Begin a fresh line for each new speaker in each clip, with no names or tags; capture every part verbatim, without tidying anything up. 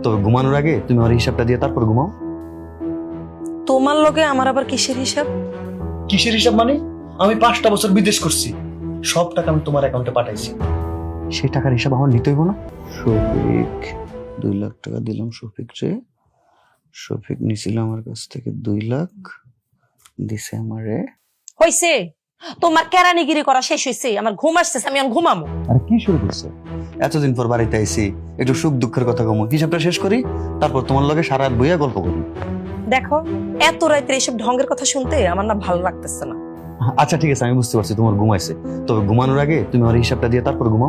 তবে ঘুমানোর আগে তুমি আমার হিসাবটা দিয়ে তারপর ঘুমাও।
তোমার লগে আমার আবার কিসের হিসাব?
কিসের হিসাব মানে? আমি পাঁচটা বছর বিদেশ করছি, সব টাকা আমি তোমার অ্যাকাউন্টে পাঠাইছি।
সেই টাকার হিসাব আমার নিতে হইব না? শফিক দুই লাখ টাকা দিলাম শফিক রে। শফিক নিছিল আমার কাছ থেকে দুই লাখ, দিছে আমারে।
হইছে, তোমার কেরানিগিরি করা শেষ হইছে। আমার ঘুম আসতেছে, আমি এখন ঘুমামো।
আর কি শুরু করছে? এতদিন পর বাড়িতে আইছি, একটু সুখ দুঃখের কথা কমো, হিসাবটা শেষ করি, তারপর তোমার লগে সারা রাত বইয়া গল্প করি।
দেখো, এত রাত্রে এসব ঢঙ্গের কথা শুনতে আমার না ভালো লাগতেছে না।
আচ্ছা ঠিক আছে, আমি বুঝতে পারছি তোমার ঘুমাইছে, তবে ঘুমানোর আগে তুমি আমার হিসাবটা দিয়ে তারপর ঘুমাও।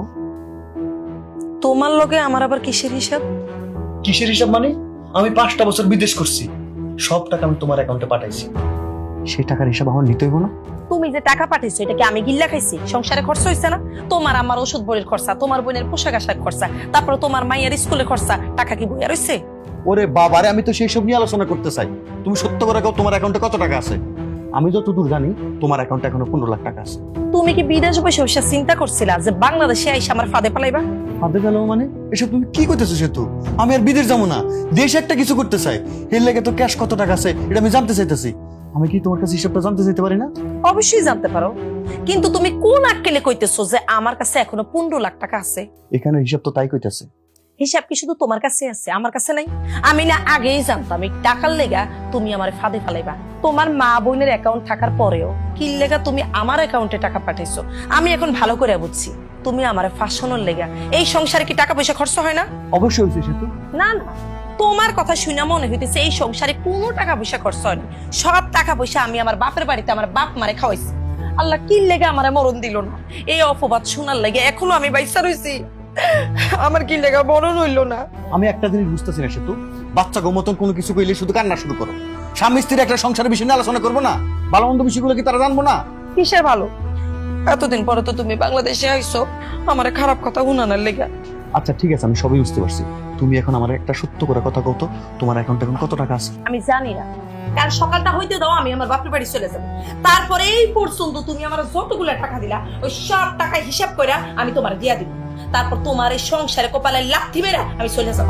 তোমার লগে আমার আবার কিসের হিসাব?
কিসের হিসাব মানে? আমি পাঁচটা বছর বিদেশ করছি, সব টাকা আমি তোমার অ্যাকাউন্টে পাঠাইছি।
সেই টাকার হিসাব আমার নিতে হইব না?
তুমি যে টাকা পাঠাইছো এটা কি আমি গিল্লা খাইছি? সংসারে খরচ হইছে না? তোমার আমার ওষুধ বইয়ের খরচা, তোমার বোনের পোশাক আশাক খরচা, তারপর তোমার মাইয়ের স্কুলের খরচা, টাকা কি বইয়া রইছে?
ওরে বাবারে, আমি তো সেই সব নিয়ে আলোচনা করতে চাই। তুমি সত্য করে কও, তোমার অ্যাকাউন্টে কত টাকা আছে? আমি যতদূর জানি তোমার অ্যাকাউন্টে এখনো পনেরো লাখ টাকা আছে।
তুমি কি বিদেশ বসে বসে চিন্তা করছিলা যে বাংলাদেশে আইসা আমার ফাঁদে পালাইবা?
ফাঁদে গেল মানে? এসব তুমি কি করতেছো? সেতু আমি আর বিদেশ যাবো না, দেশ একটা কিছু করতে চাই, এর লেগে তো ক্যাশ কত টাকা আছে এটা আমি জানতে চাইতেছি। আমি কি তোমার কাছে হিসাবটা জানতে চাইতে পারি না?
অবশ্যই জানতে পারো, কিন্তু তুমি কোন আক্কেলে কইতেছো যে আমার কাছে এখনো পনেরো লাখ টাকা আছে?
এখানে হিসাব তো তাই কইতেছে।
হিসাব কি শুধু তোমার কাছে আছে, আমার কাছে নাই? আমি না আগেই জানতাম এই টাকার লেগা তুমি আমার ফাঁদে ফেলাইবা। তোমার মা বোনের অ্যাকাউন্ট থাকার পরেও কি লেগা তুমি আমার অ্যাকাউন্টে টাকা পাঠাইছো, আমি এখন ভালো করে বুঝছি। তুমি আমার ফাঁসানোর লেগা। এই সংসারে কি টাকা পয়সা খরচ হয় না?
অবশ্যই হয়েছে সেতু।
না না, তোমার কথা শুনে মনে হইতেছে এই সংসারে কোনো টাকা পয়সা খরচ হয় না। সব টাকা পয়সা আমি আমার বাপের বাড়িতে আমার বাপ মারে খাওয়াইছি। আল্লাহ কি লেগে আমারে মরণ দিল না? এই অপবাদ শোনার লেগে এখনো আমি বাইসা রইছি। আমার কি লেগা মরণ হইল না?
আমি একটা জিনিস বুঝতেছি না সেতু, বাচ্চা গো মতন কোনো কিছু কইলে শুধু কান্না শুরু করো। স্বামী স্ত্রীর একটা সংসারের বিষয় নিয়ে আলোচনা করবো না? ভালো মন্দ বিষয়গুলো কি তারা জানবো না?
কিসের ভালো? এতদিন পরে তো তুমি বাংলাদেশে আইছো আমারে খারাপ কথা শুনানোর লেগা।
আচ্ছা ঠিক আছে, আমি সবই বুঝতে পারছি। তুমি এখন আমার একটা সত্য করে কথা কও তো, তোমার অ্যাকাউন্টে এখন কত টাকা আছে?
আমি জানি না, কাল সকালটা হইতে দাও, আমি আমার বাপের বাড়ি চলে যাবো। তারপরে এই পর্যন্ত তুমি আমার যতগুলো টাকা দিলা ওই সব টাকা হিসাব করে আমি তোমার দিয়া দিব। তারপর তোমার এই সংসারে কপালে লাথি মেরা আমি চলে যাবো।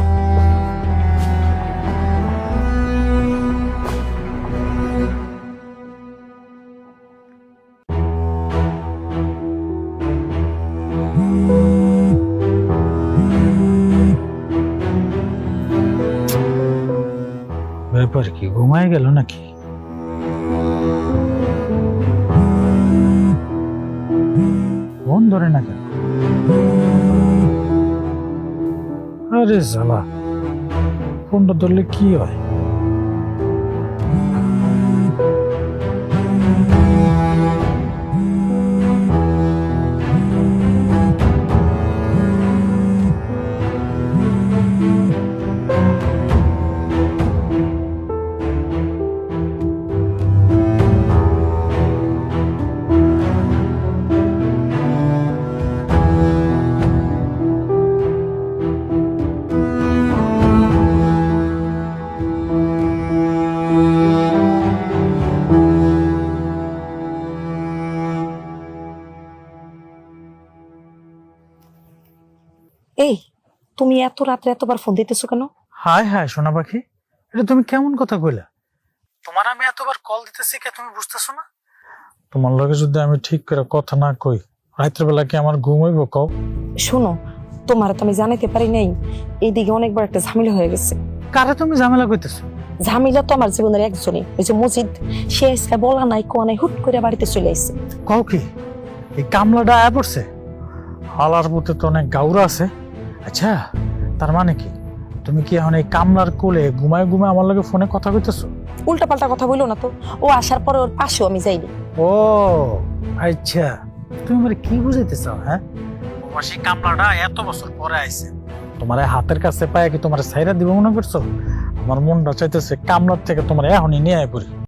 ব্যাপার কি, ঘুমায় গেল নাকি? ফোন ধরে না কেন? আরে জ্বালা, ফোনটা ধরলে কি হয়?
এই, তুমি এত রাত্রে এতবার ফোন দিতেছো কেন?
হায় হায় সোনা পাখি, এটা তুমি কেমন কথা কইলা? তোমার আমি এতবার কল দিতেছি কে তুমি বুঝতেছো না? তোমার লগে যদি আমি ঠিক করে কথা না কই, রাত্রে বেলা কি আমার ঘুম হইব কও?
শোনো, তোমার তো আমি জানাইতে পারি নাই, এইদিকে অনেকবার একটা ঝামেলা হয়ে গেছে।
কারে তুমি ঝামেলা কইতেছো?
ঝামেলা তো আমার জীবনের একজনই, ওই যে মজিদ। সে আজকে বলা নাই কোয়া নাই হুট করে বাড়িতে চলে আসছে।
কও কি, এই কামলাটা আয়া পড়ছে? হালার মধ্যে তো অনেক গাউরা আছে। আচ্ছা, তার মানে কি তুমি কি এখন এই কামলার কোলে ঘুমায় ঘুমায় আমার লগে ফোনে কথা কইতেছো?
উল্টা পাল্টা কথা বললো না তো। ও আসার পরে ওর পাশেও আমি যাইনি।
ও আচ্ছা, তুমি মানে কি বুঝাইতে চাও? হ্যাঁ, প্রবাসী কামলাটা এত বছর পরে আইছে, তোমার এই হাতের কাছে পায় কি তোমার সাইরা দিব মনে করছো? আমার মনটা চাইতেছে কামলার থেকে তোমার এখনই নিয়ে আয় পড়ি।